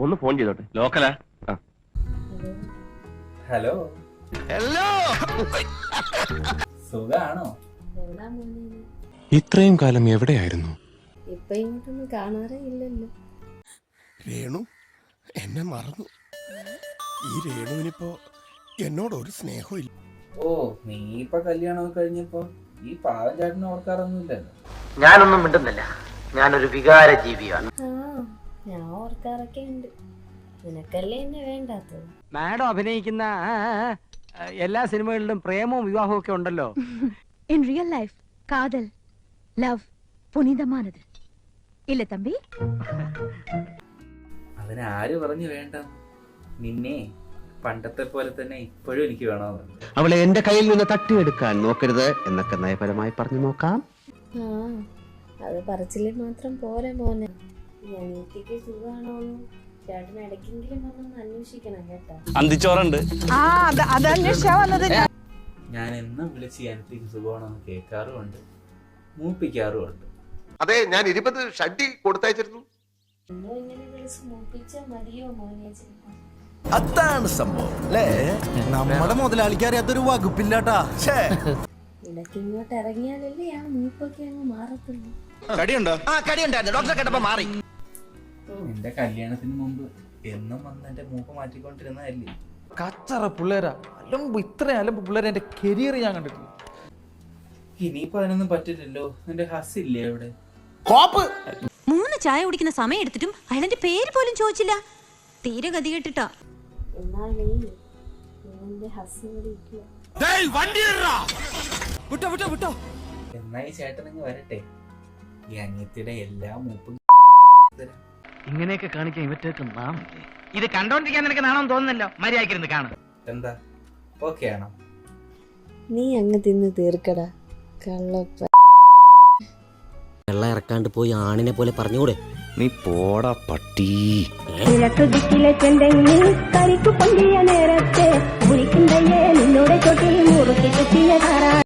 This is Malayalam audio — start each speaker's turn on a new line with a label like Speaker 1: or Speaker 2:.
Speaker 1: ഒന്ന് ഫോൺ ചെയ്തോട്ടെ. ലോക്കലാ?
Speaker 2: ഹലോ
Speaker 1: ഹലോ,
Speaker 2: സുഖാണോ?
Speaker 3: ഇത്രയും കാലം എവിടെയായിരുന്നു?
Speaker 4: ഇപ്പൊ ഇങ്ങോട്ടൊന്നും കാണാറേ ഇല്ലല്ലോ.
Speaker 5: രേണു എന്നെ മറന്നു. ഈ രേണുവിനിപ്പോ എന്നോട് ഒരു സ്നേഹവും ഇല്ല.
Speaker 2: ഓ, നീ ഇപ്പൊ കല്യാണമൊക്കെ കഴിഞ്ഞപ്പോ ഈ പാവം ചേട്ടനെ ഓർക്കാറൊന്നുമില്ലല്ലോ.
Speaker 6: ഞാനൊന്നും മിണ്ടുന്നില്ല. ഞാനൊരു വികാര ജീവിയാണ്.
Speaker 4: ആ, ഞാൻ ഓർക്കാറൊക്കെ ഉണ്ട്. നിനക്കല്ലേ എന്നെ വേണ്ടാത്തത്.
Speaker 7: മാഡം അഭിനയിക്കുന്ന എല്ലാ സിനിമകളിലും പ്രേമവും വിവാഹവും ഒക്കെ ഉണ്ടല്ലോ.
Speaker 8: ഇൻ റിയൽ ലൈഫ് കാതൽ ലവ് പുനിതമാനത് ഇല്ല തമ്പി.
Speaker 2: അതിനാര് പറഞ്ഞു വേണ്ട? നിന്നെ പണ്ടത്തെ പോലെ തന്നെ ഇപ്പോഴും എനിക്ക് വേണമെന്നുണ്ട്.
Speaker 1: അവളെ എന്റെ കയ്യിൽ നിന്ന് തട്ടിയെടുക്കാൻ നോക്കരുത് എന്നൊക്കെ നയപരമായി പറഞ്ഞു നോക്കാം.
Speaker 4: ആ, അത് പറച്ചില് മാത്രം പോരെ മോനെ. അനിയത്തിക്ക് സുഖാണോന്ന് ചേട്ടൻ ഇടയ്ക്കെങ്കിലും വന്നൊന്ന് അന്വേഷിക്കണം കേട്ടോ.
Speaker 1: അന്തിച്ചോറുണ്ട്.
Speaker 2: ഞാൻ എന്നും വിളിച്ച് എനിക്ക് സുഖമാണെന്ന് കേൾക്കാറുമുണ്ട്, മൂപ്പിക്കാറുമുണ്ട്.
Speaker 5: അതെ, ഞാൻ 20 ഷഡ്ഡി കൊടുത്തയച്ചിരുന്നു.
Speaker 4: എന്നും ഇങ്ങനെ വിളിച്ച് മൂപ്പിച്ചാ മതിയോ മോനെ?
Speaker 9: അതാണ് സംഭവം അല്ലേ? നമ്മുടെ മുതലാളിക്ക് അറിയാത്തൊരു വകുപ്പില്ലാട്ടാ.
Speaker 4: ഇടയ്ക്ക് ഇങ്ങോട്ട് ഇറങ്ങിയാലല്ലേ ആ മൂപ്പൊക്കെ അങ്ങ് മാറത്തുള്ളൂ.
Speaker 2: എന്റെ കല്യാണത്തിന് മുമ്പ് എന്നും വന്ന് എന്റെ മൂപ്പ് മാറ്റിക്കൊണ്ടിരുന്നതല്ലേ.
Speaker 9: കച്ചറ പിള്ളേരാ. അലമ്പ്, ഇത്രയും അലമ്പ് പിള്ളേരെ എന്റെ കരിയർ ഞാൻ കണ്ടിട്ടില്ല.
Speaker 2: ഇനിയിപ്പോ അതിനൊന്നും പറ്റില്ലല്ലോ. എന്റെ ഹസ്സില്ലേ അവിടെ?
Speaker 8: 3 ചായ കുടിക്കുന്ന സമയം എടുത്തിട്ടും അയാളെന്റെ പേര് പോലും ചോദിച്ചില്ല. തീരെ ഗതി കെട്ടിട്ടാ.
Speaker 4: എന്നാൽ നീ നിന്റെ ഹസ്ബൻഡ് ഇരിക്കുക.
Speaker 2: എന്നാ ഈ ചേട്ടനങ്ങ് വരട്ടെ. ഈ അനിയത്തിയുടെ എല്ലാ മൂപ്പും
Speaker 7: ഇങ്ങനെയൊക്കെ കാണിക്കാൻ ഇവറ്റേക്ക് നാമില്ലേ? ഇത് കണ്ടോണ്ടിരിക്കാൻ നിനക്ക് നാണം തോന്നുന്നല്ലോ. മര്യാദക്കിരുന്ന് കാണും.
Speaker 2: എന്താ ഓക്കെ ആണോ?
Speaker 4: നീ അങ്ങ് തിന്ന് തീർക്കടാ കള്ളപ്പ.
Speaker 6: വെള്ളം ഇറക്കാണ്ട് പോയി ആണിനെ പോലെ പറഞ്ഞുകൂടെ?
Speaker 1: നീ പോടാ പട്ടി.
Speaker 8: കരിക്കു പൊന്തിയ നേരത്തെ നിന്നോടെ ചോട്ടിൽ മുറുക്കി കുത്തിയ